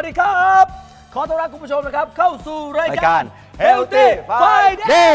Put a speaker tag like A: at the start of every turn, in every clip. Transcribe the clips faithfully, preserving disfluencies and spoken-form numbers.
A: วัสดีครับขอต้อนรับคุณผู้ชมนะครับเข้าสู่ราย
B: ราย
A: กา
B: การ ร
A: Healthy Friday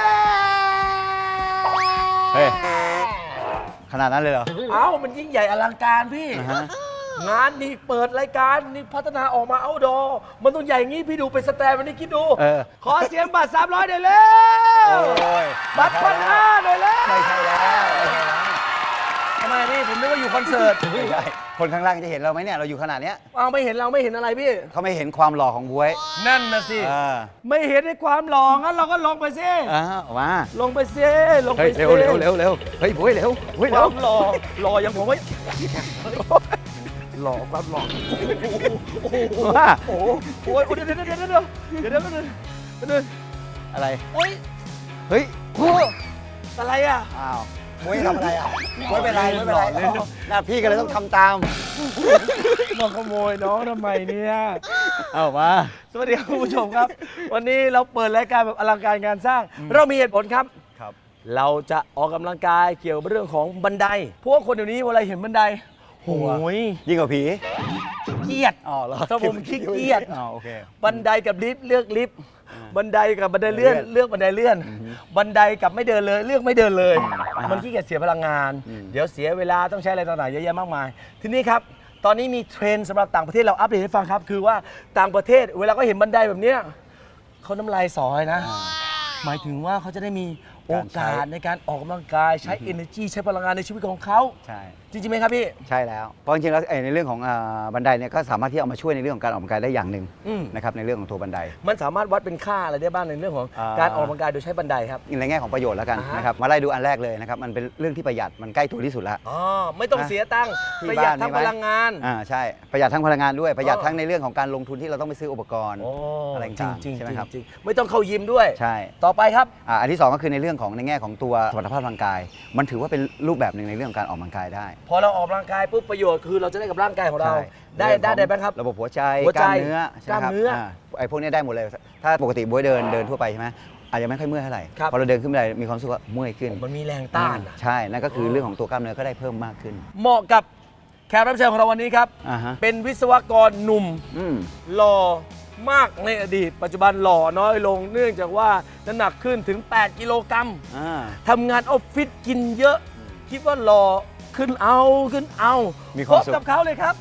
B: เฮ้ยขนาดนั้นเลยเหรอ
A: เอ้ามันยิ่งใหญ่อลังการพี่
B: อ่าฮะ
A: งานนี่เปิดรายการนี่พัฒนาออกมาเอาดอมันต้องใหญ่งี้พี่ดูเป็นสแตนวันนี้คิดดู
B: เออ
A: ขอเสียงบัตรสามร้อยหน่อยเร็ว
B: โอ้ย
A: บัตรพันห้าหน่อยเร็ว
B: ไม่ใช่แล้วไม่ใช่แล้ว
A: ทำไมพี่ผมนึกว่าอยู่คอนเสิร์ต
B: ไม่ใช่คนข้างล่างจะเห็นเราไหมเนี่ยเราอยู่ขนาดเนี้ย
A: เอาไม่เห็นเราไม่เห็นอะไรพี่
B: เขาไม่เห็นความหล่อของบ๊วย
A: นั่นนะสิ
B: เออ
A: ไม่เห็นในความหล่องั้นเราก็ลงไปสิ
B: อ่าออกมา
A: ลงไปสิลง
B: เฮ้
A: ไป
B: ย
A: สิ
B: เร็วเร็วเร็วเร็วเฮ้ยบ๊วยเร็วบ๊วย
A: ค
B: เร็
A: วาว มหล่อหล่ออย่างผมไว้หล่อความหล่อโอ้โห
B: ว่า
A: โอ้โหโอ้ยเดี๋ยวเดี๋ยวเดี๋ยวเดี๋ยวเดี๋ยวเดี๋ยวเดี๋ยวเดี๋ยวเดี๋ยว
B: อะไร
A: โอ้ย
B: เฮ้ย
A: โอ้อะไรอ่ะ
B: อ้าวบ๊วยทำอะไรอ่ะบ๊วยเป็นไรบ๊วยเป็นไรหน้าพี่ก็เลยต้องทำตาม
A: มาขโมยน้องทำไมเนี่ย
B: เอามา
A: สวัสดีครับคุณผู้ชมครับ วันนี้เราเปิดรายการแบบอลังการงานสร้าง เรามีเหตุผลครับ
B: ครับ
A: เราจะออกกำลังกายเกี่ยวกับเรื่องของบันไดพวกคนเดี๋ยวนี้เวลาเห็นบันไดโอ้ย
B: ยิ่งกว่าผี
A: เกลียด
B: อ๋อเหรอ
A: ถ้าผมขี้เกียจ
B: อ๋อโอเค
A: บันไดกับลิฟต์เลือกลิฟต์บันไดกับบันไดเลื่อน
B: เลื่อน
A: เลือกบันไดเลื่อน บันไดกับไม่เดินเลยเลือกไม่เดินเลย
B: อ่าฮะ
A: มันขี้เกียจเสียพลังงาน
B: อืม
A: เดี๋ยวเสียเวลาต้องใช้อะไรต่างๆเยอะแยะมากมาย ทีนี้ครับตอนนี้มีเทรนด์สำหรับต่างประเทศเราอัปเดตให้ฟังครับ คือว่าต่างประเทศเวลาก็เห็นบันไดแบบเนี้ยเขาน้ำลายสอยนะ หมายถึงว่าเขาจะได้มีโอกาสในการออกกำลังกายใช้ energy ใช้พลังงานในชีวิตของเขา
B: ใช่
A: จริงๆไหมครับพี่
B: ใช่แล้วเพราะจริงๆแล้วไอ้ในเรื่องของอ่าบันไดเนี่ยก็สามารถที่เอามาช่วยในเรื่องของการออกกำลังกายได้อย่างหนึ่ง
A: อืม
B: นะครับในเรื่องของตัวบันได
A: มันสามารถวัดเป็นค่าอะไรได้บ้างในเรื่องของ
B: อ่า
A: การออกกำลังกายโดยใช้บันไดครับ
B: ในแง่ของประโยชน์แล้วกัน
A: อ่าฮะ
B: นะครับมาไล่ดูอันแรกเลยนะครับมันเป็นเรื่องที่ประหยัดมันใกล้ตัวที่สุดแล้ว
A: อ๋อไม่ต้อง
B: นะ
A: เสียตังค์
B: ที่
A: ประหยัด
B: บ้าน
A: ทั้ง
B: มีไหม
A: พลังงาน
B: อ่าใช่ประหยัดทั้งพลังงานด้วยประหยัด
A: อ๋อ
B: ทั้งในเรื่องของการลงทุนที่เราต้องไปซื้ออุปกรณ์
A: โอ้
B: อะไร
A: จริง
B: ต่าง
A: จริง
B: ๆใช่ไหมครับ
A: จริงไม่ต้องเข้ายิมด้วย
B: ใช่
A: ต่อไปครับ
B: อ่าอันที่สองก็คือในเรื่องของในแง่ของตัวสมรรถภาพร่างกาย มันถือว่าเป็นรูปแบบหนึ่งในเรื่องของการออกกำลังกายได้
A: พอเราออกกำลังกายปุ๊บประโยชน์คือเราจะได้กับร่างกายของเรา
B: ใช่
A: ได้
B: เรื่อง
A: ได้
B: ของ
A: ได้บ้างครับ
B: ระบบหัวใจ
A: หัว
B: ก
A: ใจ
B: ล้ามเนื้อใช่ไหมครับ
A: กล้ามเนื้ออ่
B: าไอ้พวกนี้ได้หมดเลย ถ้าปกติบ๊วยเดินเดินทั่วไปใช่ไหมอาจจะไม่ค่อยเมื่อยเท่าไหร่
A: ครับ
B: พอเราเดินขึ้นไปมีความรู้สึกว่าเมื่อยขึ้น
A: มันมีแรงต้านอะ
B: ใช่นั่นก็คือเรื่องของตัวกล้ามเนื้อก็ได้เพิ่มมากขึ้น
A: เหมาะกับแขกรับเชิญของเราวันนี้ครับ
B: อ่าฮะ
A: เป็นวิศวกรหนุ่ม
B: อืม
A: หล่อมากในอดีต ปัจจุบันหล่อน้อยลง เนื่องจากว่าน้ำหนักขึ้นถึง แปด กิโลกรัม
B: อ่า
A: ทำงานออฟฟิศกินเยอะ คิดว่าหล่อขึ้นเอาขึ้นเอา
B: มีความ
A: พ
B: สุ
A: บ
B: ข
A: กับเขาเลยครับ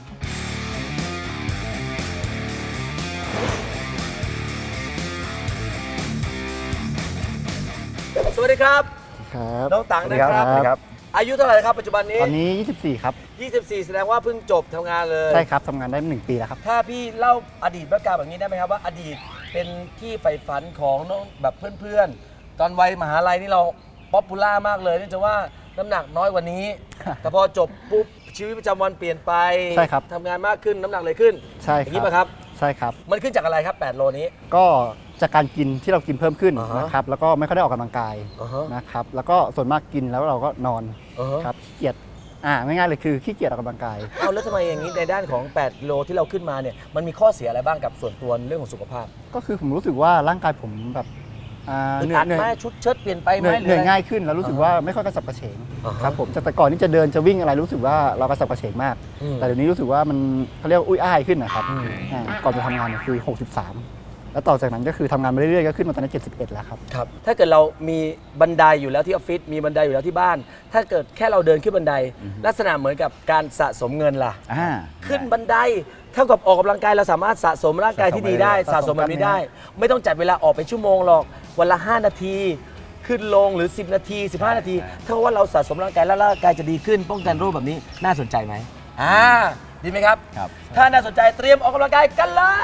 A: สวัสดีครับ
C: ครับ
A: น้องตัง
B: สวัส
A: นะ
B: ดี
A: ค
B: ค
A: รั
B: รับ บสวัสดีครับ
A: อายุเท่าไหร่ครับปัจจุบันนี้
C: ตอนนี้ ยี่สิบสี่ ครับ
A: ยี่สิบสี่ แสดงว่าเพิ่งจบทำงานเลย
C: ใช่ครับทำงานได้หนึ่งปีแล้วครับ
A: ถ้าพี่เล่าอดีตประการแบบนี้ได้ไหมครับว่าอดีตเป็นที่ใฝ่ฝันของน้องแบบเพื่อนๆ ตอนวัยมหาลัยนี่เราป๊อปปูล่ามากเลยเนื่องจากว่าน้ำหนักน้อยกว่านี้ แต่พอจบปุ๊บชีวิตประจำวันเปลี่ยนไป
C: ใช่ครับ
A: ทำงานมากขึ้นน้ำหนักเลยขึ้น
C: ใช่
A: อ
C: ค
A: ย่าง
C: รั
A: นี้ป่ะครับ
C: ใช่ครับ
A: มันขึ้นจากอะไรครับ แปด โลนี้
C: ก็จากการกินที่เรากินเพิ่มขึ้น
A: อ่าฮะ
C: นะครับ แล้วก็ไม่ค่อยได้ออกกำลังกาย
A: อ่าฮะ
C: นะครับ แล้วก็ส่วนมากกินแล้วเราก็นอน
A: อ่าฮะ
C: ครับขี้เกียจ อ่าง่ายๆเลยคือขี้เกียจออกกำลังกาย
A: เอาแล้วทำไมอย่างนี้ในด้านของ แปด กิโลที่เราขึ้นมาเนี่ยมันมีข้อเสียอะไรบ้างกับส่วนตัวในเรื่องของสุขภาพ
C: ก็คือผมรู้สึกว่าร่างกายผมแบบอ่า
A: อึด
C: เหนื่อ
A: อั
C: ย
A: ด
C: เหนื่
A: ไหม
C: อย
A: ชุดเชิดเปลี่ยนไปไห
C: เห
A: ม
C: นื่อย
A: ห
C: เห
A: รือ
C: นื่อย
A: อะไร
C: ง่ายขึ้นแล้วรู้สึกว่าไม่ค่อยกระสับกระเฉง
A: อ่าฮะ
C: ครับผมจากแต่ก่อนที่จะเดินจะวิ่งอะไรรู้สึกว่าเรากระสับกระเฉงมาก
A: อืม
C: แต่เดี๋ยวนี้รู้สึกว่ามันเขาเรียกว่าอุ้ยอ้ายขึ้นนะครับ
A: อืม
C: อ่าก่อนจะทำงานเนี่ยคือหกสิบสามแล้วต่อจากนั้นก็คือทำงานมาเรื่อยๆก็ขึ้นมาตอนนี้เจ็ดสิบเอ็ดแล้วครับ
A: ครับถ้าเกิดเรามีบันไดอยู่แล้วที่ออฟฟิศมีบันไดอยู่แล้วที่บ้าน ถ้าเกิดแค่เราเดินขึ้นบันได ลักษณะเหมือนกับการสะสมเงินล่ะ
B: อ่า
A: ขึ้นบันไดเท่ากับออกกำลังกายเราสามารถสะสมร่างกายที่ดีได้ สะ
C: สะ
A: ส
C: ส
A: ม
C: ม
A: แบบนี้ได้ ไม่ต้องจัดเวลาออกเป็นชั่วโมงหรอกวันละ ห้า นาที ขึ้นลงหรือ สิบ นาที สิบห้า นาทีเท่ากับว่าเราสะสมร่างกายแล้วร่างกายจะดีขึ้น ป้องกันโรคแบบนี้น่าสนใจไหมอ่าดีไหมครับ
B: ครับ
A: ถ้าน่าสนใจเตรียมออกกำลังกายกันเลย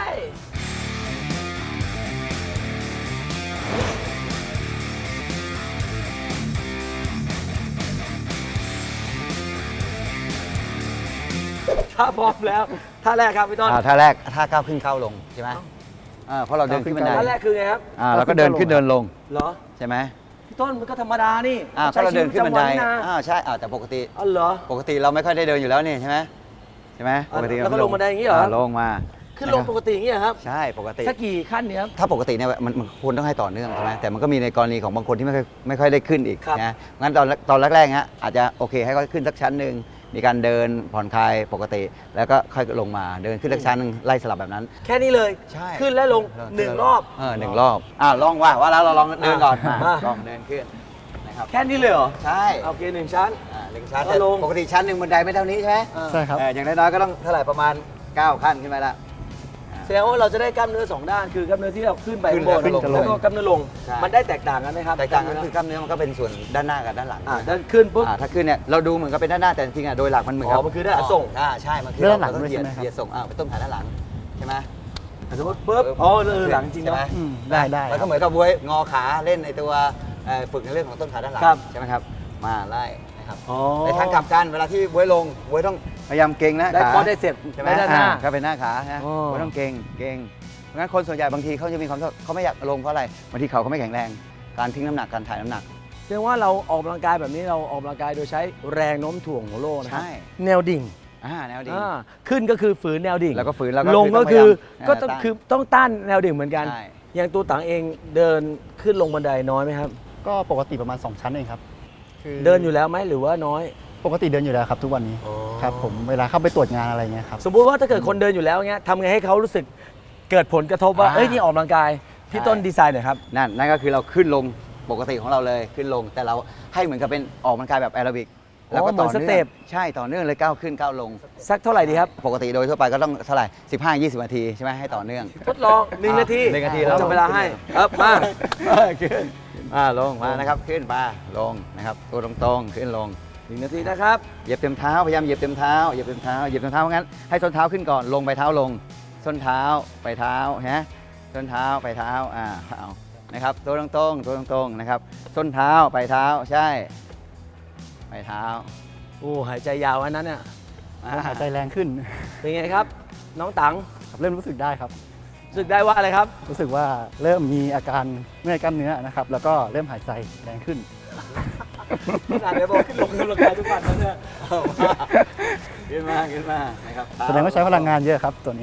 A: ถ้าพร้อมแล้วท่าแรกครับพี่ต้น
B: อ่าท่าแรกท่าก้าวขึ้นก้าวลงใช่ไหมอ่าเพราะเราเดินขึ้นบันได
A: ท่าแรกคือไงครับ
B: อ่าเราก็เดินขึ้นเดินลง
A: เหรอ
B: ใช่ไหม
A: พี่ต้นมันก็ธรรมดานี่
B: อ่าเพราะเราเดินขึ้นบันได
A: ใช้ชีวิตประจำวัะ
B: อ่าใช่อ่าแต่ปกติ
A: อ๋อเหรอ
B: ปกติเราไม่ค่อยได้เดินอยู่แล้วนี่ใช่ไหมใช่ไหม
A: อ่ะ
B: ปกติ
A: แล้วก็ลงบันไดอย่างนี้เหรอ
B: ลงมา
A: ขึ้นลงปกติอย่างนี้เหรอครับ
B: ใช่ปกติ
A: สักกี่ขั้นเนี่ยครับ
B: ถ้าปกติเนี่ยมันมันควรต้องให้ต่อเนื่องใช่ไหมแต่มันก็มีในกรณีของบางคนที่ไม่ค่อยไม่ค่อยได้ขึ้นอีก
A: ครับ
B: นะงั้นตอนตอนแรกๆฮะอาจจะโอเคให้เขาขึ้นสักชั้นหนึ่งมีการเดินผ่อนคลายปกติ แล้วก็ค่อยลงมาเดินขึ้นสักชั้นหนึงไล่สลับแบบนั้น
A: แค่นี้เลย
B: ใช่
A: ขึ้นและลงหนึ่งรอบ
B: เออหนึ่งรอบอ่าลองว่าว่าแล้วเราลองเดินก่อน
A: อ่ะ
B: อ่ะลองเดินขึ้นนะครับ
A: แค่นี้เลยเหรอ
B: ใช่
A: โอเคหนึ่งชั้น
B: อ่าหนึ่งชั้น
A: แล้วลง
B: ปกติชั้นหนึ่งบันไดไม่เท่านี้ใช่ไหม
C: ใช่ครับ
B: เอออย่างน้อยๆก็ต้องเท่าไหร่ประมาณเก้าขั้นขึ้นไปละ
A: แสดงว่าเราจะได้กล้ามเนื้อสองด้านคือกล้ามเนื้อที่เราขึ้นไป
B: ขึ้น
A: ข้างบน
B: ขึ้นกับลง
A: แล้วก็กล้ามเนื้อลง
B: ใช่
A: มันได้แตกต่างกันไหมครับ
B: แตกต่างกันคือกล้ามเนื้อมันก็เป็นส่วนด้านหน้ากับด้านหลัง
A: อ่าด้านขึ้นปุ๊บ
B: อ่าถ้าขึ้นเนี่ยเราดูเหมือนกับเป็นด้านหน้าแต่จริงๆอ่ะโดยหลักมันเหมือนกั
A: อ๋อมันคือด้านหลังส่ง
B: อ่าใช่มันคือ
C: ด้านหลัง
B: เรต้อง
C: ด้วย
B: เหยียด
C: ใช่ไหมครับ
B: เหยียดส่งอ่าไปต้นขาด้านหลังใช่ไหม
A: สมมติปุ๊บอ๋อเออหลังจริง
B: ใช่ไหม
A: เนาะ
C: อืมได้ได้
B: แล้วก็เหมือนกับบวยงอขาเล่นในตัวเอ่อฝึกในเรื่องของต้นขาด้านหลัง
A: ครับ
B: ใช่ไหมครับมาไล่นะครับ
A: อ๋อ
B: ในทางกลับกันเวลาที่บวยลงบวยต้องพยายามเก่งนะ
A: ได้
B: ขา
A: คอได้เสร็จ
B: ใช่ไหม
A: ได้ด้านหน้า
B: อ่ก็เป็นหน้าขาฮะ
A: อ๋อ
B: บวยต้องเก่งเก่งเพราะงั้นคนส่วนใหญ่บางทีเขาจะมีความชอบเขาไม่อยากลงเพราะอะไรบางทีเขาเขาไม่แข็งแรงการทิ้งน้ำหนักการถ่ายน้ำหนัก
A: แสดงว่าเราออกกำลังกายแบบนี้เราออกกำลังกายโดยใช้แรงโน้มถ่วงของโลกนะครั
B: ใช่
A: แนวดิ่ง
B: อ่าแนวดี
A: อ่าขึ้นก็คือฝืนแนวดิ่ง
B: แล้วก็ฝืนแล้วก็
A: ลงก็คือ
B: คือ
A: ก็
B: ต้
A: ต้
B: อ
A: อง ง
B: พยายาม
A: คือต้องต้านแนวดิ่งเหมือนกัน
B: ใช่
A: อย่างตัวต่างเองเดินขึ้นลงบันไดน้อยไหมครับ
C: ก็ปกติประมาณ สอง ชั้นเองครับคือ
A: เดินอยู่แล้วไหมหรือว่าน้อย
C: ปกติเดินอยู่แล้วครับทุกวันนี้
A: อ๋อ
C: ครับผมเวลาเข้าไปตรวจงานอะไรเงี้ยครับ
A: สมมุติว่าถ้าเกิดคนเดินอยู่แล้วเงี้ยทำไงให้เขารู้สึกเกิดผลกระทบว่า
B: อ่า
A: เอ้ยนี่ออกกำลังกายพี่
B: ใช่
A: ต้นดีไซน์หน่อยครับ
B: นั่นนั่นก็คือเราขึ้นลงปกติของเราเลยขึ้นลงแต่เราให้เหมือนกับเป็นออกกำลังกายแบบแอโรบิก
A: อ๋อ
B: แล้วก็ต่อ
A: เหมือนส
B: เนื่
A: เต็
B: อง
A: ป
B: ใช่ต่อเนื่องเลยก้าวขึ้นก้าวลง
A: สักเท่าไหร่ดีครับ
B: ปกติโดยทั่วไปก็ต้องเท่าไหร่สิบห้า ยี่สิบนาทีใช่ไหมให้ต่อเนื่อง
A: ทดลองหนึ่งนาที
B: หนึ่งนาที
A: ผม
B: แล้ว
A: จะเวลาให้ครับมา
B: ขึ้นอ่าลงมานะครับขึ้นมาลงนะครับตัวตรงๆขึ้นลง
A: หนึ่งนาทีนะครับ
B: เหยียบเต็มเท้าพยายามเหยียบเต็มเท้าเหยียบเต็มเท้าเหยียบเต็มเท้าเพราะงั้นให้ส้นเท้าขึ้นก่อนลงไปเท้าลง ส้นเท้าไปเท้าฮะส้นเท้าไปเท้าอ่าเอานะครับตัวตรงๆตัวตรงๆนะครับส้นเท้าไปเท้าใช่ไปเท้า
A: โอ้หายใจยาวอันนั้นเนี่ย
B: อ่า
C: หายใจแรงขึ้น
A: เป็นไงครับ น้องตัง
C: ครับเริ่มรู้สึกได้ครับ
A: รู้สึกได้ว่าอะไรครับ
C: รู้สึกว่าเริ่มมีอาการเมื่อยกล้ามเนื้อนะครับ แล้วก็เริ่มหายใจแรงขึ้น
A: ขนาดเดี๋ยวบอกขึ้นลงกำลังกายทุกวันแล้วเนี่ย
B: ขึ้นมาขึ้นมานะครับ
C: แสดงว่าใช้พลังงานเยอะครับตัวนี้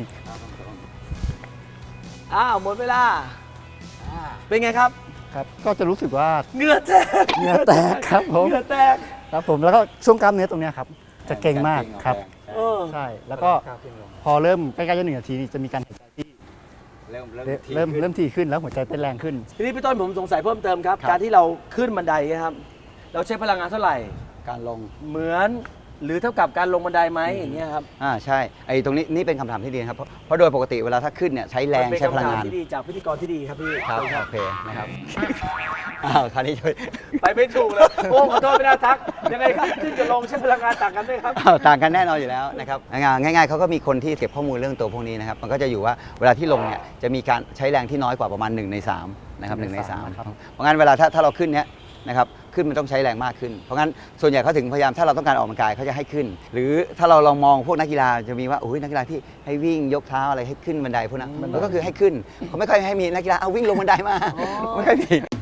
A: อ้าวหมดเวลา
B: อ่า
A: เป็นไงครับ
C: ครับ ก็จะรู้สึกว่า
A: เหงื่อแตก
C: เหงื่อแตกครับผม
A: เหงื่อแตก
C: ครับผมแล้วก็ช่วงกล้ามเนื้อตรงเนี้ยครับ จะเก่งมากครับ
A: เออ
C: ใช่ แล้วก็พอเริ่มใกล้ๆจะหนึ่งนาทีนี่จะมีการหายใจที่
B: เริ่มเริ่ม
C: เริ่มเริ่มถี่ขึ้นแล้วหัวใจเต้นแรงขึ้น
A: ทีนี้พี่ต้นผมสงสัยเพิ่มเติมครับ
B: ครับ
A: การที่เราขึ้นบันไดนะครับ เราใช้พลังงานเท่าไหร่
B: การลง
A: เหมือนหรือเท่ากับการลงบันไดไหมอย่างเงี้ยครับ
B: อ่าใช่ไอ้ตรงนี้นี่เป็นคำถามที่ดีนะครับเพราะเพราะโดยปกติเวลาถ้าขึ้นเนี่ยใช้แรง
A: มันเป็น
B: ใช้พลัง
A: คำถาม
B: งาน
A: ที่ดีจากพิธีกรที่ดีครับพี่
B: ครับ
A: ขอณ
B: โอเคนะครับอ้าวคราวนี้ช่วย
A: ไปไม่ถูกเลย โอ้ขอโทษไม่น่าทัก ยังไงครับขึ้นกับลงใช้พลังงานต่างกันไหมครับ
B: อ้าวต่างกันแน่นอนอยู่แล้วนะครับง่ายๆเขาก็มีคนที่เก็บข้อมูลเรื่องตัวพวกนี้นะครับมันก็จะอยู่ว่าเวลาที่ลงเนี่ยจะมีการใช้แรงที่น้อยกว่าประมาณหนึ่งในสามนะครับหนึ่งในสาม
C: นะครับ
B: เพราะงั้นเวลาถ้าถ้าเราขึ้นเนี้ยนะครับขึ้นมันต้องใช้แรงมากขึ้น เพราะงั้นส่วนใหญ่เขาถึงพยายามถ้าเราต้องการออกกำลังกายเขาจะให้ขึ้น หรือถ้าเราลองมองพวกนักกีฬาจะมีว่าโอ้ยนักกีฬาที่ให้วิ่งยกเท้าอะไรให้ขึ้นบันไดพวกนั้นมันก็คือให้ขึ้นเขาไม่ค่อยให้มีนักกีฬาเอาวิ่งลงบันไดมาไม่ค่อยมี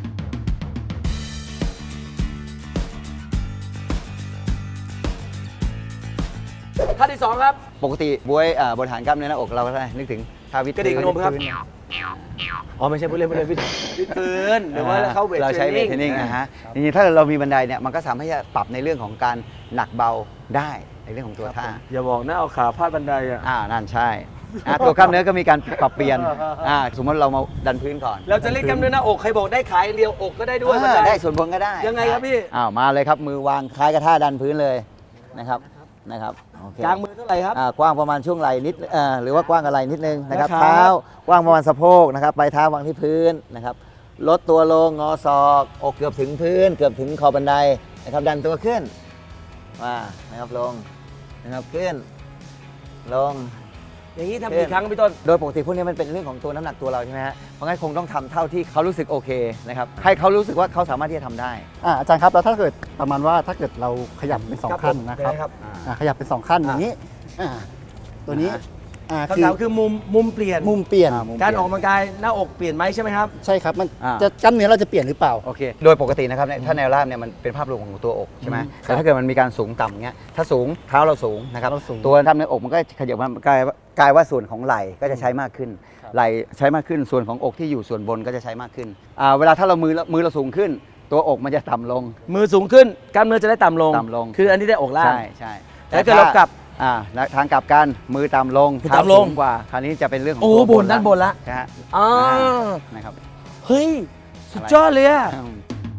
A: ท่าที่สองครับ
B: ปกติบวยอ่าบริหารกล้ามเนื้อหน้าอกเราก็ได้นึกถึงท่าวิด
A: กระดิกนมครับ อ๋อไม่ใช่ผู้เล่นผู้เล่นพี่พี่พื้นหรือว่าเข้าเวท
B: เราใช้
A: เท
B: เว
A: ร
B: ท
A: น
B: เทรนนิ่
A: นิ่
B: ง
A: ง
B: นะฮะจริงๆถ้าเรามีบันไดเนี่ยมันก็สามารถที่จะปรับในเรื่องของการหนักเบาได้ในเรื่องของตัวท่า
A: อย่าบอกนะเอาขาพาดบันไดอ่ะ
B: อ่านั่นใช่อ่ะตัวกล้ามเนื้อก็มีการปรับเปลี่ยนอ่าสมมติเรามาดันพื้นก่อน
A: เราจะเล่นกล้ามเนื้อหน้าอกใครบอกได้ขาอย่างเดียวอกก็ได้ด้วยบัน
B: อ่า
A: ได
B: ได้ส่วนบนก็ได้
A: ยังไงครับพี่
B: อ้าวมาเลยครับมือวางคล้ายกับท่าดันพื้นเลยนะครับนะครับโอเค
A: กลางมือเท่าไหร่ครับ
B: อ่ากว้างประมาณช่วงไหล่นิดเอ่อหรือว่ากว้างกับไหล่นิดนึงนะครับ
A: นะครับ
B: เท้ากว้างประมาณสะโพกนะครับปลายเท้าวางที่พื้นนะครับลดตัวลงงอศอกอกเกือบถึงพื้น เกือบถึงขอบบันไดนะครับดันตัวขึ้นมานะครับลงนะครับขึ้นลง
A: อย่างนี้ทำกี่ครั้งพี่ต้น
B: โดยปกติพวกนี้มันเป็นเรื่องของตัวน้ำหนักตัวเราใช่ไหมฮะเพราะงั้นคงต้องทำเท่าที่เขารู้สึกโอเคนะครับให้เขารู้สึกว่าเขาสามารถที่จะทำได้
C: อ่าอาจารย์ครับแล้วถ้าเกิดประมาณว่าถ้าเกิดเราขยับเป็นสอง
A: ครับ
C: ขั้น
A: ผม
C: นะครับ
A: ได้ครับ
C: อ่าขยับเป็นสองขั้นอย่างนี้อ่าตัวนี้
B: อ่า
C: อ่า
A: คำถามคือมุมมุมเปลี่ยน
C: มุมเปลี่ยน
B: อ่ามุม
A: การออกกำลังกายหน้าอกเปลี่ยนไหมใช่ไหมครับ
C: ใช่ครับมัน
B: อ่า
C: จะกล้ามเนื้อเราจะเปลี่ยนหรือเปล่า
B: โอเค โดยปกตินะครับเนี่ยถ้าแนวราบเนี่ยมันเป็นภาพรวมของตัวอกใช่ไหม
C: อืม
B: แต่ถ้าเกิดมันมีการสูงต่ำเงี้ย ถ้าสูงเท้าเราสูงนะครับ
C: เราสูง
B: ตัวทำในอกมันก็ขยับมากลายกลายว่าส่วนของไหล่ก็จะใช้มากขึ้น
C: ครับ
B: ไหล่ใช้มากขึ้น ส่วนของอกที่อยู่ส่วนบนก็จะใช้มากขึ้นอ่าเวลาถ้าเรามือมือเราสูงขึ้น ตัวอกมันจะต่ำลง
A: มือสูงขึ้นกล้ามเนื้อจะได้ต่ำลง
B: ต่ำลง
A: คืออันนี้ได้อกล่าง
B: ใช่ใช่
A: แต่ถ้าเกิดเรากลับ
B: อ่าทางกลับกันมือต่ำลง
A: มือต่ำลง
B: เท้สูกว่าคราวนี้จะเป็นเรื่องของ
A: โอ้
B: ตัว
A: บนด้านบนละ
B: นะฮะ
A: อ่า
B: นะครับ
A: เฮ้ย สุดยอดเลยอะ
B: อืม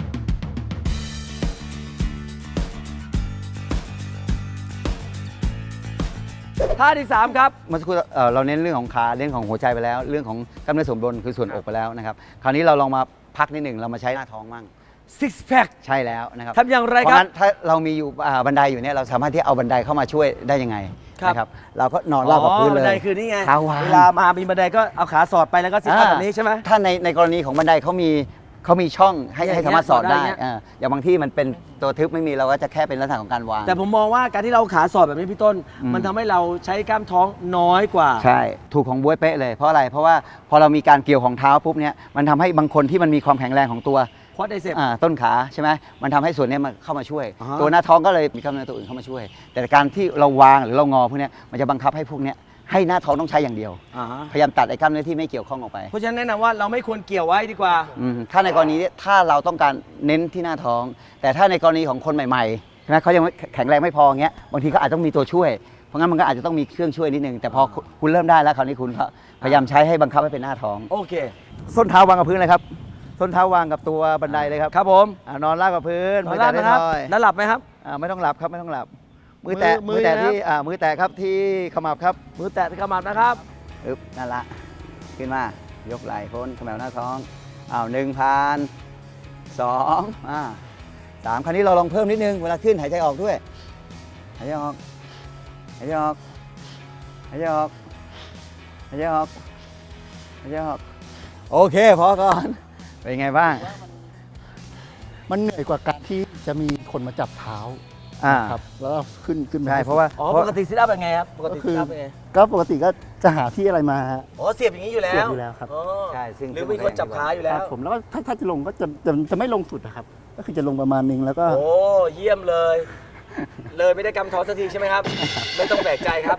A: ท่าที่สามครับ
B: เมื่อสักครู่เอ่อเราเน้นเรื่องของขาเรื่องของหัวใจไปแล้ว เรื่องของกล้ามเนื้อส่วนบนคือส่วนอกไปแล้วนะครับคราวนี้เราลองมาพักนิดหนึ่งเรามาใช้หน้าท้องมั่ง
A: six pack
B: ใช่แล้วนะครับ
A: ทำอย่างไร
B: เพ
A: ค
B: ราะ
A: รับ
B: งั้นถ้าเรามีอยู่อ่าบันไดอยู่เนี่ยเราสามารถที่เอาบันไดเข้ามาช่วยได้ยังไง
A: ครับ
B: นะครับเราก็นอนราบกับพื้นเลย
A: บันไดคือนี่ไง
B: เท้าวาง
A: เวลามามีบันไดก็เอาขาสอดไปแล้วก็ซิทอัพแบบนี้ใช่ไหม
B: ถ้าในในกรณีของบันไดเขามีเขามีช่องให้
A: อย่างเงี้
B: ให้
A: ย
B: สามารถสอดได้
A: สอดได้เงี้ย
B: อ่าอย่างบางที่มันเป็นตัวทึบไม่มีเราก็จะแค่เป็นลักษณะของการวาง
A: แต่ผมมองว่าการที่เราขาสอดแบบนี้พี่ต้น
B: อืม
A: มันทำให้เราใช้กล้ามท้องน้อยกว่า
B: ใช่ถูกของบ๊วยเป๊ะเลยเพราะอะไรเพราะว่าพอเรามีการเกี่ยวของเท้าปุ๊บเนี่ยมันทำให้บางคนที่มันมีความแข็งแรงของตัว
A: ควอดไดเซป
B: อ่าต้นขาใช่ไหมมันทำให้ส่วนเนี้ยมันเข้ามาช่วย
A: อ่าฮะ
B: ตัวหน้าท้องก็เลยมีกล้ามเนื้อตัวอื่นเข้ามาช่วย แต่การที่เราวางหรือเรางอพวกเนี้ยมันจะบังคับให้พวกเนี้ยให้หน้าท้องต้องใช้อย่างเดียว
A: อ่าฮะ
B: พยายามตัดไอ้กล้ามเนื้อที่ไม่เกี่ยวข้องออกไป
A: เพราะฉะนั้นแนะนำว่าเราไม่ควรเกี่ยวไว้ดีกว่า
B: อืมถ้าในกรณีเนี้ถ้าเราต้องการเน้นที่หน้าท้อง แต่ถ้าในกรณีของคนใหม่ๆใช่ไหมเขายังไม่แข็งแรงไม่พอเงี้ยบางทีเขาอาจต้องมีตัวช่วย เพราะงั้นมันก็อาจจะต้องมีเครื่องช่วยนิดนึงแต่พอคุณเริ่มได้แล้วคราวนี้คุณก็พยายามใช้ให้บังคับให้เป็นหน้าท้อง
A: โอเค
B: ส้นเท้าวางกับพื้นเลยครับส้นเท้าวางกับตัวบันไดเลยครับ
A: ครับผม
B: อ่านอนราบกับพื้น
A: ขอลาด
B: มือ
A: นะ
B: แตะ
A: ครับ
B: น้อย
A: แล้วหลับไหมครับ
B: อ่าไม่ต้องหลับครับไม่ต้องหลับ มือแตะ
A: มื
B: มื
A: อ
B: อแตะ
A: มือนะครับ
B: ที่อ่ามือแตะครับที่ขมับครับ
A: มือแตะที่ขมับนะครับ
B: อึ๊บนั่นละขึ้นมายกไหล่พ้นขมวหน้าท้องอ้าวหนึ่งพันสองอ่าสามคราวนี้เราลองเพิ่มนิดนึงเวลาขึ้นหายใจออกด้วยหายใจออกหายใจออกหายใจออกหายใจออกหายใจออกโอเคพอก่อนเป็นไงบ้าง
C: มันเหนื่อยกว่าการที่จะมีคนมาจับเท้า
B: อ่า
C: ครับแล้วก็ขึ้นขึ้นมา
B: ใช่เพราะว่า
A: อ๋อ
B: เพ
A: ป
B: ราะ
A: กติซิทอัพเป็นไงครับ ปกติ
C: ก็คื
A: ซิ
C: อ
A: ทอัพเป็นไง
C: ก็ปกติก็จะหาที่อะไรมา
A: อ๋อ เสียบอย่างนี้อยู่แล้ว
C: เสียบอยู่แล้วครับ
A: อ๋อ
B: ใช่ซึ่ง
A: หรือมีคนจับขาอยู่
C: ค
A: แล้
C: รับ
A: ว
C: ผมแล้วก็ถ้าถ้าจะลงก็จะจะจะไม่ลงสุดนะครับ ก็คือจะลงประมาณนึงแล้วก็
A: โอ้ เยี่ยมเลย เลยไม่ได้กำท้องสักทีใช่ไหมครับ ไม่ต้องแปลกใจครับ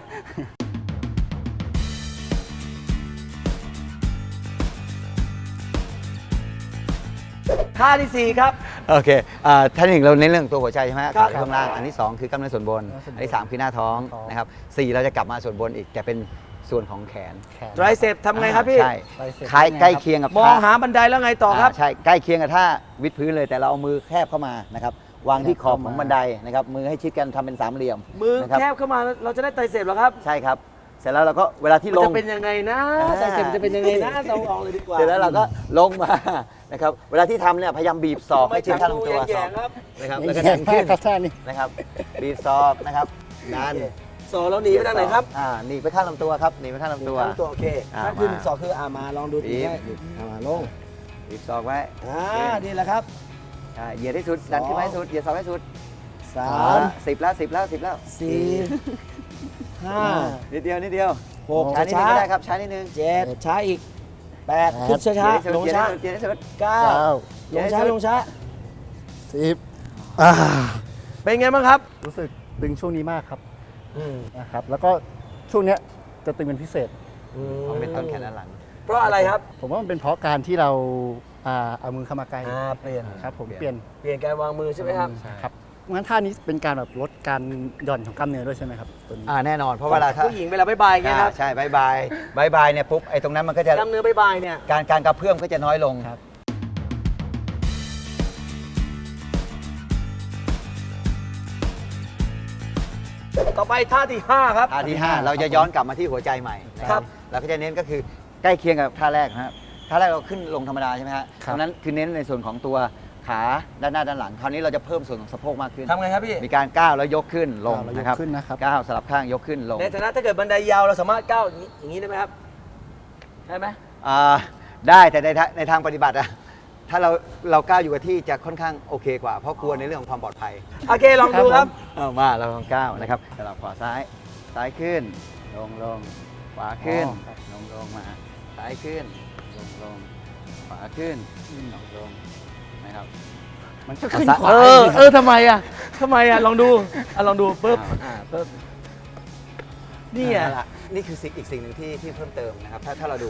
A: ท่าที่สี่ครับ
B: โอเคอ่าท่านหนึ่งเราเน้นเรื่องตัวหัวใจใช่ไหม
A: ครับ
B: ขาข้างล่างอันที่สองคือกล้ามเนื้อส่วนบน อันที่สามคือหน้าท้องนะครับสี่เราจะกลับมาส่วนบนอีกแต่เป็นส่วนของแขน
C: แขน
A: ไตรเซปทำไงครับพี่
B: ใช่
C: ไตรเซป
B: คล้าย
C: เป็นไงครับ
B: ใกล้เคียงกับ
A: มอง
B: ท่า
A: หาบันไดแล้วไงต่อครับ
B: าใช่ใกล้เคียงกับท่าวิดพื้นเลยแต่เราเอามือแคบเข้ามานะครับวางที่ขอบของบันไดนะครับมือให้ชิดกันทำเป็นสามเหลี่ยม
A: มือ
B: นะครับ
A: แคบเข้ามาเราจะได้ไตรเซปเหรอครับ
B: ใช่ครับเสร็จแล้วเราก็เวลาที่
A: มัน
B: ล
A: จะ
B: ง
A: เป็นยังไงนะ
B: อ่า
A: ไตรเซปจะเป็นยังไงนะเราลองเลยดีกว่า
B: เสร็จแล้วเราก็ลงมานะครับเวลาที่ทำเนี่ยพยายามบีบศอกให้ชิดข้างลำตัว
A: แย่ๆครับ
B: นะครับ
C: ไม่
B: แล้วก็
C: แย่
B: ดันขึ้น
C: ครับท่านี้
B: นะครับบีบศอกนะครับดัน
A: สอเราหนีไปทางไหนครับ
B: อ่าหนีไปข้างลำตัวครับหนีไปข้างลำตัว
A: ข้างตัวโอเค
B: อ่า
A: ถ้าขึ้น
B: มา
A: สอคืออ่ามาลองดู
B: บี
A: ที
B: บ
A: ได้อ่ามาลง
B: บีบศอกไว้
A: อ่านี่แหละครับ
B: ใช่เหยียดให้สุดดันขึ้นมาให้สุดเหยียดศอกให้สุด
A: สา
B: เอา
A: ม
B: ละสิบแล้วสิบแล้วสิบแล้ว
A: สี่ห้า
B: นิดเดียวนิดเดียว
A: หก
B: ช้านิดนึง
A: ช้า
B: ก็ได้ครับช้านิดนึง
A: เจ็ดช้าอีกแปด
C: แปด
A: ขึ้นช้าช้าๆลง
B: เหยียด
A: ช้า
B: ให้สุดเหยียดให้สุด
A: เก้า
C: เก้า
A: ลงช้าลงช้า
C: สิบอ่า
A: เป็นไงบ้างครับ
C: รู้สึกตึงช่วงนี้มากครับ
A: อืม
C: นะครับ แล้วก็ช่วงเนี้ยจะตึงเป็นพิเศษ
B: เอาเป็นต้นแขนด้านหลัง
A: เพราะอะไรครับ
C: ผมว่ามันเป็นเพราะการที่เราอ่าเอามือเข้ามาใกล้
A: อ่าเปลี่ยน
C: ครับผม
B: เป
C: เป
B: ลี่
C: ลี่
B: ย
C: ย
B: น
C: น
A: เปลี่ยนการวางมือใช่ไหมครับ
C: ครับงั้นท่านี้เป็นการแบบลดการหย่อนของกล้ามเนื้อด้วยใช่ไหมครับตัวนี้
B: อ่าแน่นอนเพราะเวลาถ้า
A: ผู้หญิงเวลาบายบายอย่างเงี้ยครับ
B: อ่าใช่บายบายบายบายเนี่ยปุ๊บไอ้ตรงนั้นมันก็จะ
A: กล้ามเนื้อบายบายเนี่ย
B: การการกระเพื่อมก็จะน้อยลง
C: ครับ
A: ต่อไปท่าที่ห้าครับ
B: ท่าที่ห้าเราจะย้อนกลับมาที่หัวใจใหม่นะค
A: ครั
B: รับบ เราก็จะเน้นก็คือใกล้เคียงกับท่าแรกนะครับท่าแรกเราขึ้นลงธรรมดาใช่ไหมฮะ
C: ครับ
B: ตรงนั้นคือเน้นในส่วนของตัวขาด้านหน้าด้านหลังคราวนี้เราจะเพิ่มส่วนของสะโพกมากขึ้น
A: ทำไงครับพี่
B: มีการก้าวแล้วยกขึ้นลง
C: ก้าวแล้วยก
B: นะครับ
C: ขึ้นนะครับ
B: ก้าวสลับข้างยกขึ้นลง
A: ในฐานะถ้าเกิดบันไดยาวเราสามารถก้าวอย่างนี้อย่างนี้ได้ไหมครับได้ไหม
B: อ่าได้แต่ในทางในทางปฏิบัติอะถ้าเราเราก้าวอยู่กับที่จะค่อนข้างโอเคกว่า เพราะกลัวในเรื่องของความปลอดภัย
A: โอเคลองดูครับ
B: เอามาเราลองก้าวนะครับสลับขวาซ้ายซ้ายขึ้น ลงลงขวาขึ้น
C: อ๋อ
B: ลงลงมาซ้ายขึ้น ลงลงขวาขึ้นลงลงนะครับ
C: มันก็ขึ้นขวา
A: เออ
C: จริงๆ
A: เออทำไมอ่ะทำไมอ่ะลองดูอ่ะลองดูปุ๊บอ่าปุ๊บนี่อ่ะ
B: เอาละนี่คือสิ่งอีกสิ่งหนึ่งที่ที่เพิ่มเติมนะครับถ้าถ้าเราดูเนี่ย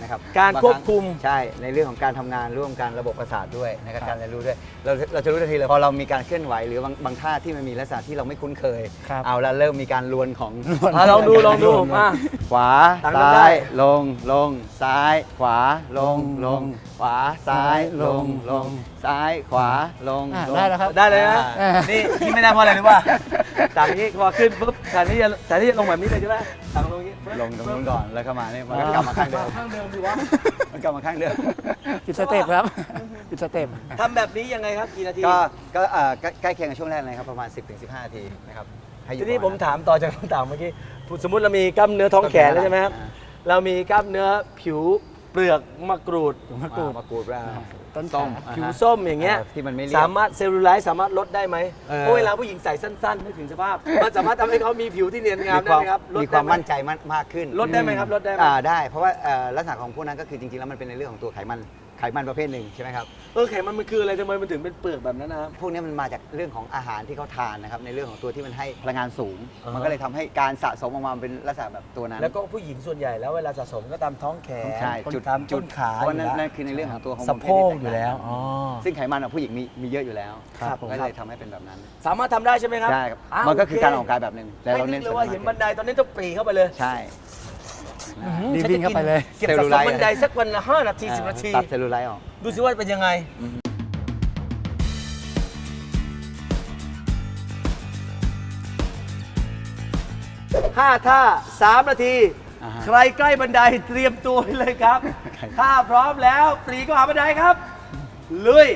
B: นะครับ
A: การ
B: ง
A: ควบคุม
B: ใช่ในเรื่องของการทำงานร่วมกันระบบประสาทด้วยนะครับการเรียนรู้ด้วยเราเราจะรู้ทันทีเลยพอเรามีการเคลื่อนไหวหรือบางบางท่าที่มันมีลักษณะที่เราไม่คุ้นเคย
C: ครับ
B: เอาแล้วเริ่มมีการลวนของ
A: อ่ะลองดูลองดูมา
B: ขวา
A: ต่างกัน
B: ซ้า
A: ได้
B: ยลงลงซ้าย ขวาลงลง ขวาซ้ายลงลงซ้ายขวาลง
C: อ่ะ
B: ลง
C: ได้แล้วครับ
A: ได้เลยนะ
B: อ่า
A: นี่ที่ไม่ได้เพราะอะไรรู้ป่ะต่างนี้พอขึ้นปุ๊บแทนที่จะแทนที่จะลงแบบนี้เลยใช่ไหมต่างลงอย่างนี้ปึ๊บ
B: ลงตรงนู้นก่อนแล้วก็มาเนี่ยมันก็กลับมาข้างเดิม
A: ข้างเดิมดีวะ
B: มันกลับมาข้างเดิม
C: ปิดสเต็ปครับ ปิดสเต็ป
A: ทำแบบนี้ยังไงครับกี่นาที
B: ก็ก็เอ่อใกล้ใกล้เคียงกับช่วงแรกเลยครับประมาณ สิบถึงสิบห้า นาทีนะครับให้อยู่
A: ทีนี้
B: ป
A: ผ
B: ระ
A: ม
B: มาณนั้น
A: ถามต่อจากคำถามเมื่อกี้สมมุติเรามีกล้ามเนื้อท้องแขนแล้วใช่ไหมครับ
B: อ่า
A: เรามีกล้ามเนื้อผิวเปลือกมะกรูด
C: มะกรูด
B: มะกรูดว่า
C: ต้น
B: ส้ม
C: ขา
A: ผิวส้มอย่างเงี้ย
B: ที่มันไม่เรียบ
A: สามารถเซลลูไลท์สามารถลดได้ไหม
B: เออ
A: เพราะเวลาผู้หญิงใส่สั้นๆนึกถึงสภาพ มันสามารถทำให้เขามีผิวที่เนียนงาม
B: มี
A: ได้
B: ความ
A: ไหมครับลด
B: มีค
A: ได้
B: วาม
A: ไห
B: มั่นใจมากมากขึ้น
A: ลดได้ไหมครับลดได้ไหม
B: อ่าได้เพราะว่าเอ่อลักษณะของพวกนั้นก็คือจริงๆแล้วมันเป็นในเรื่องของตัวไขมันไขมันประเภทหนึ่งใช่ไหมครับ
A: เออไขมันมันคืออะไรทำไมมันถึงเป็นเปลือกแบบนั้นนะครับ
B: พวกนี้มันมาจากเรื่องของอาหารที่เขาทานนะครับในเรื่องของตัวที่มันให้พลังงานสูง
A: อ่าฮะ
B: มันก็เลยทำให้การสะสมออกมาเป็นลักษณะแบบตัวนั้น
A: แล้วก็ผู้หญิงส่วนใหญ่แล้วเวลาสะสมก็ตามท้องแขน
B: ใช่จุด
A: ตาม
B: จุ
A: ต้
B: ด
A: นขา
B: เพราะว่านั่น
A: ยู่แล้ว
B: นั่นคือในเรื่องของตัวของ
A: สะโพกอยู่แล้วอ๋อ
B: ซึ่งไขมันของผู้หญิงมีมีเยอะอยู่แล้ว
A: ครับผม
B: ก็เลยทำให้เป็นแบบนั้น
A: สามารถทำได้ใช่ไหมครับ
B: ใช่ครับ
A: าว
B: มันก็คือการออก
A: โ
B: กำลังกายแบบหนึ่งแต่
A: ไม่
B: เรา
A: นึ
B: เน้
A: ก
B: น
A: เลยว่าเห็นบันไดตอนนี้ต้องปรีเข้าไปเลย
B: ใช่
C: รีบวิ่งเข้าไปเลย
A: เก็บสะสมบันไดสักวันละห้านาทีสิบนาที
B: ตัดเซลลูไลท์ออก
A: ดูสิว่าเป็นยังไง ห้าท่าสามนาที
B: อ่าฮะ
A: ใครใกล้บันไดเตรียมตัวไว้เลยครับ
B: ใคร
A: ถ้าพร้อมแล้วปรีก็หาบันไดครับ ลุย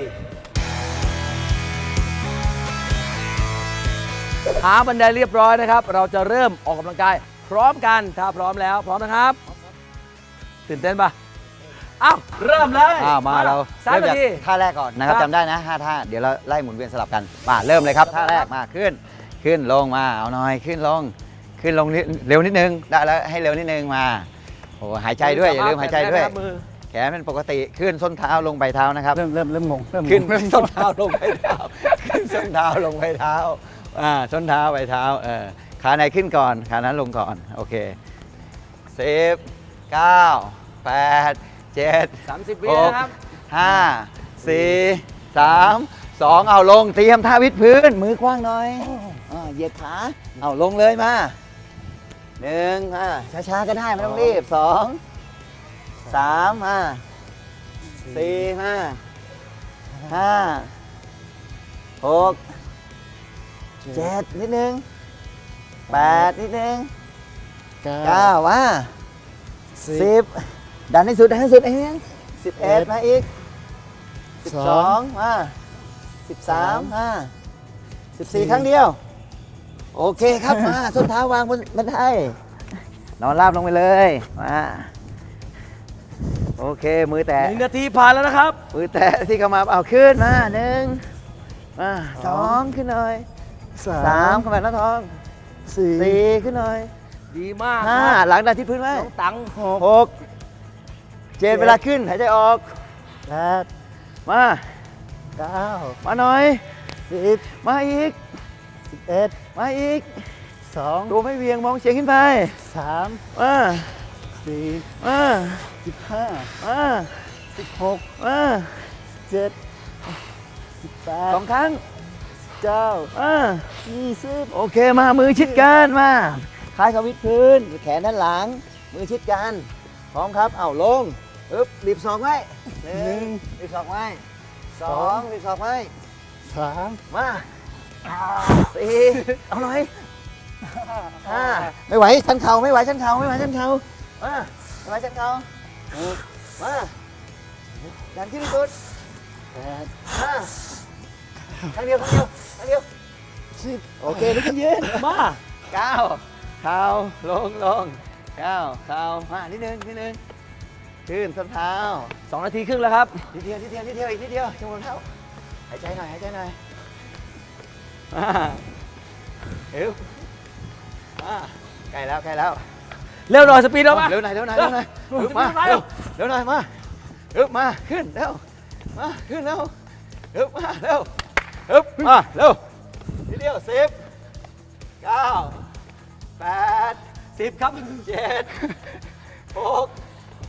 A: หาบันไดเรียบร้อยนะครับ เราจะเริ่มออกกำลังกาย พร้อมกัน ถ้าพร้อมแล้ว พร้อมนะครับ ตื่นเต้นปะอ้าวเริ่มเลย
B: อ้าวมาเรา
A: สาม
B: เริ่ม
A: นา
B: จาก
A: ที
B: ท่าแรกก่อนนะครับ
A: ครับ
B: จำได้นะห้าท่าเดี๋ยวเราไล่หมุนเวียนสลับกันมาเริ่มเลยครับท่าแรกมาขึ้น ขึ้นลงมาเอาหน่อยขึ้นลง ขึ้นลงนิดเร็วนิดนึงได้แล้วให้เร็วนิดนึงมาโอ้หายใจด้วยอย่าลืมหายใจด้วย
A: มือ
B: แขนเป็นปกติขึ้นส้นเท้าลงไปเท้านะครับ
C: เริ่มเริ่มเริ่มงงเริ่มงง
B: ขึ้น
C: เริ่ม
B: ส้นเท้าลงไปเท้าขึ้นส้นเท้าลงไปเท้าอ่าส้นเท้าไปเท้าเออขาไหนขึ้นก่อนขานั้นลงก่อนโอเคสิบเก้าแปดเจ็ด
A: สามสิบวิ
B: หก
A: นะครับ
B: ห้าสี่สามสองเอาลงเตรียมท่าวิดพื้น มือกว้างหน่อยอ่าเหยียดขาเอาลงเลยมาหนึ่งอ่าช้าๆก็ได้ไม่ต้องรีบสองสามอ่าสี่ห้าห้าหกเจ็ดนิดนึงแปดนิดนึง
C: เก้า
B: เก้าว่าสิบดันให้สุดดันให้สุดเองสิบเอ็ดมาอีกสิบสองมาสิบสามมาสิบสี่ครั้งเดียว โอเคครับมาส้นเท้าวางบนบันไดนอนราบลงไปเลยมาโอเคมือแตะ
A: หนึ่งนาทีผ่านแล้วนะครับ
B: มือแตะที่เข้ามาเอาขึ้นมาหนึ่งมาสองขึ้นหน่อย
C: สา
B: สาม
C: ม
B: เข้ามาหน้าท้อง
C: สี่
B: สี่ขึ้นหน่อย
A: ดีมาก
B: ห้า
A: ครับ
B: หลังดันที่พื้นไว้
A: น้องตัง
C: หก
B: หกเจ็ดเวลาขึ้นหายใจออก
C: แปด
B: มา
C: เก้า
B: มาหน่อย
C: สิบ
B: มาอีก
C: สิบเอ็ด
B: มาอีก
C: สอง
B: ตัวไม่เวียงมองเฉียงขึ้นไป
C: สาม
B: มา
C: สี่
B: มา
C: สิบห้า
B: มา
C: สิบหก
B: มา
C: เจ็ดสิบแปด
B: สองครั้ง
C: เก้า
B: มา
C: ยี่สิบ
B: โอเคมามือชิดกันมาคล้ายกับวิดพื้นแขนด้านหลัง มือชิดกันพร้อมครับเอาลงอึ๊บรีบศอกไว้หนึ่งรีบศอกไว้สองรีบศอกไว้
C: สาม
B: มาสี่เอาหน่อยห้าไม่ไหวชันเข่าไม่ไหวชันเข่าไม่ไหวชันเข่ามาไม่ไหวชันเข่าหกมาดันขึ้นที่สุด
C: แปด
B: มาครั้งเดียวครั้งเดียวครั้งเดียว
C: สิบ
B: โอเคลุกขึ้นยืน
A: มา
B: เก้าเข่าลงลงเก้าเข่ามานิดนึงนิดนึงขึ้นส้นเท้า
A: สองนาทีครึ่งแล้วครับ
B: นิดเดียวนิดเดียวนิดเดียวอีกนิดเดียวชั่วโมงเท้าหายใจหน่อยหายใจหน่อยมาเร็วมาใกล้แล้วใกล้แล้ว
A: เร็วหน่อยสปีดเรามา
B: เร็วหน่อยเร็วหน่อยเร็วหน่อย
A: เร็ว
B: อึ๊บมา
A: เร็
B: เร็
A: ว
B: วเร็วหน่อยมาอึ๊บมาขึ้นเร็วมาขึ้นเร็วอึ๊บมาเร็วอึ๊บมาเร็วนิดเดียวสิบเก้าแปด
A: สิบครับ
B: เจ็ดหก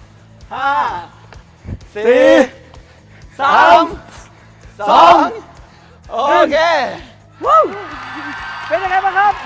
A: ห้าสี่สามสองโอเคว้าวเป็นยังไงบ้างครับ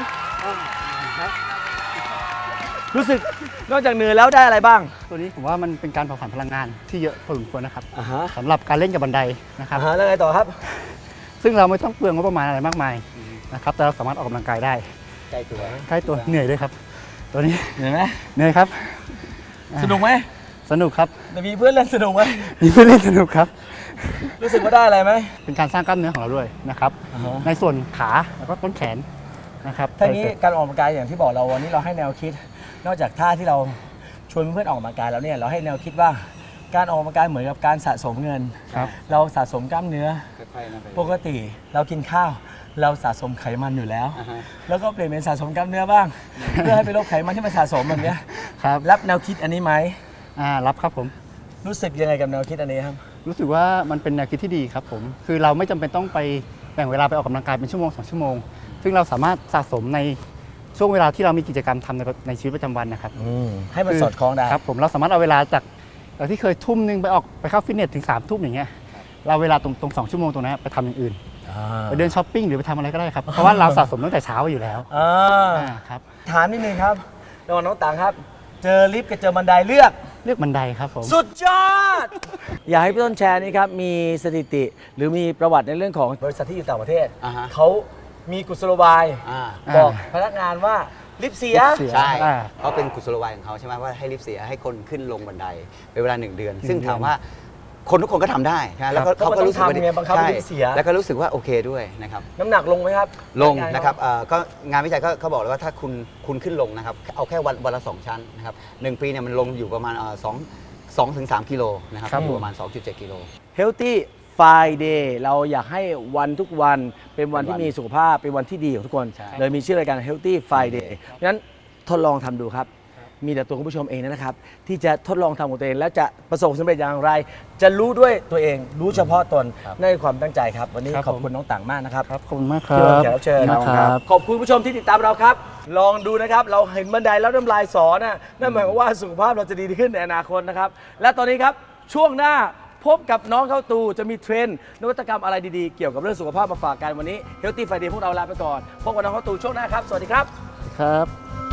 A: รู้สึกนอกจากเหนื่อยแล้วได้อะไรบ้าง
C: ตัวนี้ผมว่ามันเป็นการเผาผลาญพลังงานที่เยอะพอสมควรนะครับ
A: อ่าฮะ
C: สำหรับการเล่นกับบันไดนะครับ
A: อ่าฮะแล้วไงต่อครับ
C: ซึ่งเราไม่ต้องเปลืองงบประมาณอะไรมากมายนะครับแต่เราสามารถออกกำลังกายได้
B: ใกล้ตัว
C: ใกล้ตัวเหนื่อยด้วยครับ ตัวนี้
A: เหนื่อยไหม
C: เหนื่อยครับ
A: สนุกไหม
C: สนุกครับ
A: แต่มีเพื่อนเล่นสนุกไหม
C: มีเพื่อนเล่นสนุกครับ
A: รู้สึกว่าได้อะไรไหม
C: เป็นการสร้างกล้ามเนื้อของเราด้วยนะครับ
A: อ่าฮะ
C: ในส่วนขาแล้วก็ต้นแขนนะครับ
A: ทั้งนี้การออกกำลังกายอย่างที่บอกเราวันนี้เราให้แนวคิด นอกจากท่าที่เราชวนเพื่อนออกกำลังกายแล้วเนี่ยเราให้แนวคิดว่าการออกกำลังกายเหมือนกับการสะสมเงิน
C: ครับ
A: เราสะสมกล้ามเนื้อ
B: ค่อยๆนะไป
A: ปกติเรากินข้าว เราสะสมไขมันอยู่แล้ว
B: อ่าฮะ
A: แล้วก็เปลี่ยนเป็นสะสมกล้ามเนื้อบ้าง เพื่อให้ไปลดไขมันที่มันสะสมแบบเนี้ย
C: ครับ
A: รับแนวคิดอันนี้ไหม
C: อ่ารับครับผม
A: รู้สึกยังไงกับแนวคิดอันนี้ครับ
C: รู้สึกว่ามันเป็นแนวคิดที่ดีครับผม คือเราไม่จำเป็นต้องไปแบ่งเวลาไปออกกำลังกายเป็นชั่วโมงสองชั่วโมง ซึ่งเราสามารถสะสมในช่วงเวลาที่เรามีกิจกรรมทำในในชีวิตประจำวันนะครับ
A: ให้มันสอดคล้องได้
C: ครับผมเราสามารถเอาเวลาจากจากที่เคยทุ่มหนึงไปออกไปเข้าฟิตเนสถึงสามทุ่มอย่างเงี้ย เราเวลาตรงตรงสองชั่วโมงตรงนั้นไปทำอย่างอื่น
A: อ่า
C: ไปเดินช้อปปิ้งหรือไปทำอะไรก็ได้ครับ เพราะว่าเราสะสมตั้งแต่เช้าอยู่แล้ว
A: อ่า
C: อ่าครับ
A: ถามนิดนึงครับระหว่างน้องต่างครับ เจอลิฟต์กับเจอบันไดเลือก
C: เลือกบันไดครับผม
A: สุดยอด อยากให้พี่ต้นแชร์นี่ครับ มีสถิติ หรือมีประวัติในเรื่องของบริษัทที่อยู่ต่างประเทศ
B: อ่าฮะ
A: เขามีกุศโลบาย
B: อ่า
A: บอกพนักงานว่าลิฟต์เสีย
C: ลิฟต์เสีย
B: ใช่
C: อ่า
B: เขาเป็นกุศโลบายของเขาใช่ไหมว่าให้ลิฟต์เสียให้คนขึ้นลงบันไดเป็นเวลาหนึ่งเดือน ซึ่งถามว่าคนทุกคนก็ทำได้นะแล้วก็
A: ครับ
B: เขาก็รู้สึกว่า
A: เพราะมันต้องทำไงบังคับให้
B: ใช่
A: ลิฟต์เสีย
B: แล้วก็รู้สึกว่าโอเคด้วยนะครับ
A: น้ำหนักลงไหมครับ
B: ลง
A: พกา
B: นะครับเอ่อก็งานวิจัยก็เขาบอกเลยว่าถ้าคุณคุณขึ้นลงนะครับเอาแค่วันวันละสองชั้นนะครับหนึ่งปีเนี่ยมันลงอยู่ประมาณเอ่อสองสองถึงสามกิโลนะครับ
C: ครับ
B: อยู่ประมาณ สองจุดเจ็ด กิโล
A: Healthy Friday เราอยากให้วันทุกวันเป็นวันที่
B: เป็นวัน
A: มีสุขภาพเป็นวันที่ดีของทุกคน
B: ใช่
A: เลยมีชื่อรายการ Healthy Friday เพราะฉะนั้นทดลองทำดูครับ มีแต่ตัวคุณผู้ชมเองนะครับ ที่จะทดลองทำของตัวเอง แล้วจะประสบความสำเร็จอย่างไร จะรู้ด้วยตัวเองรู้เฉพาะตนนั่นคือความตั้งใจครับ วันนี้
C: ครับ
A: ขอบ
C: ผม
A: คุณน้องต่างมากนะครับ
C: ครับขอบคุณมากครั
A: ที่
C: บ
A: มาแขกรับเชิญ
C: นะครับ
A: ขอบคุณผู้ชมที่ติดตามเราครับ ลองดูนะครับ เราเห็นบันไดแล้วน้ำลายสอนะนั่นหมายความว่าสุขภาพเราจะดีขึ้นในอนาคตนะครับ และตอนนี้ครับช่วงหน้าพบกับน้องเข้าตูจะมีเทรนด์นวัตกรรมอะไรดีๆ เกี่ยวกับเรื่องสุขภาพมาฝากกันวันนี้ Healthy Friday พวกเราลาไปก่อนพบกับน้องเข้าตูช่วงหน้าครับสวัสดีครับ
C: ครับ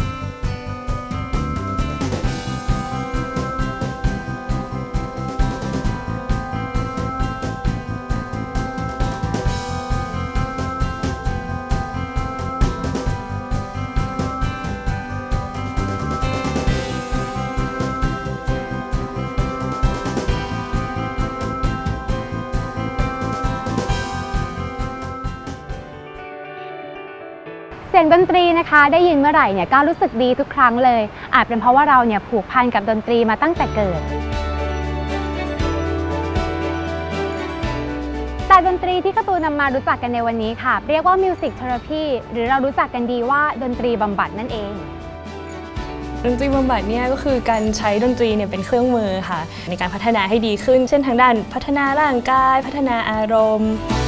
D: เสียงดนตรีนะคะได้ยินเมื่อไหร่เนี่ยก็รู้สึกดีทุกครั้งเลยอาจเป็นเพราะว่าเราเนี่ยผูกพันกับดนตรีมาตั้งแต่เกิดแต่ดนตรีที่การ์ตูนนำมารู้จักกันในวันนี้ค่ะเรียกว่า Music Therapy หรือเรารู้จักกันดีว่าดนตรีบำบัดนั่นเอง
E: ดนตรีบำบัดเนี่ยก็คือการใช้ดนตรีเนี่ยเป็นเครื่องมือค่ะในการพัฒนาให้ดีขึ้น เช่นทางด้านพัฒนาร่างกาย พัฒนาอารมณ์